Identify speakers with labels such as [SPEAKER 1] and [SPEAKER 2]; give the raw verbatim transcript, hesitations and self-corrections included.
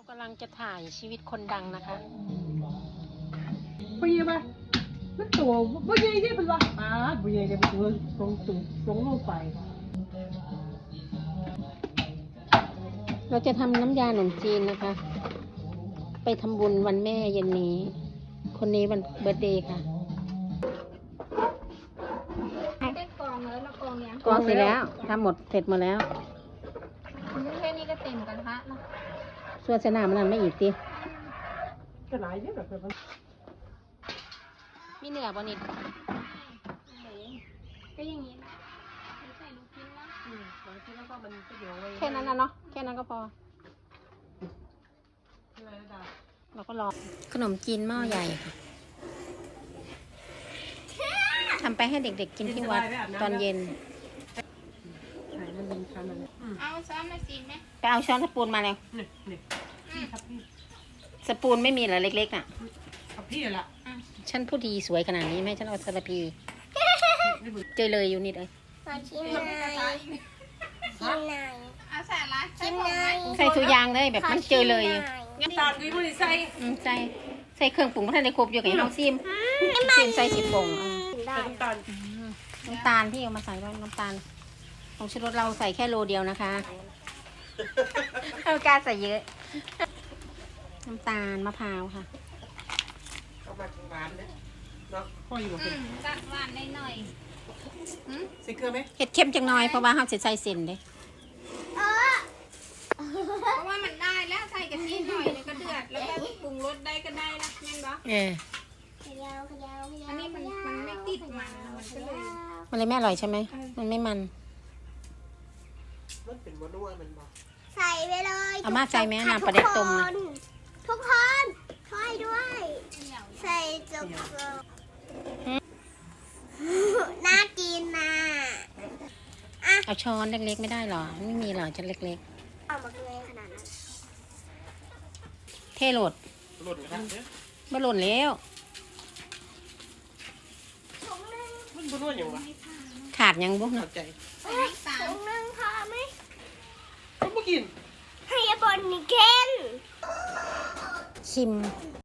[SPEAKER 1] กำลังจะถ่ายชีวิตคนดังนะคะ
[SPEAKER 2] ปีไหมมันตัวบ่ใหญ่ที่เป็นว่าอ่าบ่ใหญ่เนี่ยมันตัวตรงสูงตรงลงไป
[SPEAKER 1] เราจะทำน้ำยาขนมจีนนะคะ ไปทำบุญวันแม่เย็นนี้ คนนี้วันเบิร์ธเดย์ค่ะ
[SPEAKER 3] ได้กองแล้วแล้วกองยัง
[SPEAKER 1] กองเสร็จแล้วทำหมดเสร็จหมดแล้ว
[SPEAKER 3] แค่นี้ก็เต็มกระทะเนาะ
[SPEAKER 1] ส่วนสนามมันไม่อีกที
[SPEAKER 2] ก็หลายเยอะแบบนั้น
[SPEAKER 1] มีเนื้อบนิด
[SPEAKER 3] ก็อย่างนี้นะไม่ใส่ลูกชิ้นนะ
[SPEAKER 2] อืมบางทีแล้วก็มันก็เดี๋ยวไว้
[SPEAKER 1] แค่นั้นนะเนาะแค่นั้นก็พอ
[SPEAKER 2] อะไรนะดา
[SPEAKER 1] เราก็รอขนมจีนหม้อใหญ่ค่ะทำไปให้เด็กๆกินที่วัดตอนเย็น
[SPEAKER 2] ใช่มันเป็นชั้นนั้นอืม
[SPEAKER 3] เอาซ้อมมาสิไหม
[SPEAKER 1] ไปเอาช้อนสปูนมาเลย
[SPEAKER 2] นี่นี่พี่ครับพี่
[SPEAKER 1] สปูนไม่มีเหรอเล็กๆน่ะ
[SPEAKER 2] ครับพี่ละ
[SPEAKER 1] ฉันผู้ดีสวยขนาดนี้ไหมฉันเอาสารพีเจอเลยอยู่นิดเลย
[SPEAKER 3] ขอชิมหน่อยชิมหน่อยเอาใส่ละชิมหน่อย
[SPEAKER 1] ใส่ทุกอย่างเลยแบบมันเจอเลย
[SPEAKER 2] น้ำตาลกุ้ยบุหรี่ใส่
[SPEAKER 1] อืมใส่ใส่เครื่องปรุงพัฒนาครบอยู่กับน้องซิมซิมใส่สิบผงอ่ะ
[SPEAKER 2] ใส่น้ำตาล
[SPEAKER 1] น้ำตาลพี่เอามาใส่ไว้น้ำตาลของชูรสเราใส่แค่โลเดียวนะคะเอาการใส่เยอะ น้ำตาลมะพร้าวค่ะ
[SPEAKER 2] เอามาหวานเลยเนาะพ่ออยู่กับ
[SPEAKER 3] อื
[SPEAKER 2] เป็น
[SPEAKER 3] มจัดหวานได้หน่อย
[SPEAKER 2] ใส่เกลือไหม
[SPEAKER 1] เห็ดเข้มจังน้อยเพราะว่าเขาจะใส่เส้นเด้
[SPEAKER 3] เพราะว่ามันได้แล้วใส่กะทิหน่อยแล้วก็เดือดแล้วก็ปรุงรสได้ก็ได้ละแม่นปะ
[SPEAKER 1] เออ
[SPEAKER 3] อันนี้มันมันไม่ติดมันมันก็เลย
[SPEAKER 1] มันเลยไม่อร่อยใช่ไหมมันไม่มัน
[SPEAKER 2] มันเป็นวันนัวมันบอก
[SPEAKER 4] ใส่ไปเลย
[SPEAKER 1] เอามาใส่ไหมน้ำปลาเด็ดต้มนะ
[SPEAKER 4] ทุกคนช่วยด้วย ใส่จุกๆน่ากินนะ
[SPEAKER 1] เอาช้อนเล็กๆไม่ได้หรอไม่มีหรอจะเล็ก
[SPEAKER 4] เอามาเลยขนาดนั้น
[SPEAKER 1] ๆ เทโหลด
[SPEAKER 2] หล่นกันเนี่ย
[SPEAKER 1] บ่หล่นแล้ว
[SPEAKER 2] มันบนนัวอย่างวะ
[SPEAKER 1] ขาดยังบุก
[SPEAKER 2] เข้า
[SPEAKER 1] เนาะ
[SPEAKER 2] ใจ
[SPEAKER 3] ใส่น้ำตาล
[SPEAKER 4] ถุงนึงพอไหม
[SPEAKER 2] เขาไม่กิน
[SPEAKER 4] ให้ยาบนนี่เค้น
[SPEAKER 1] ชิม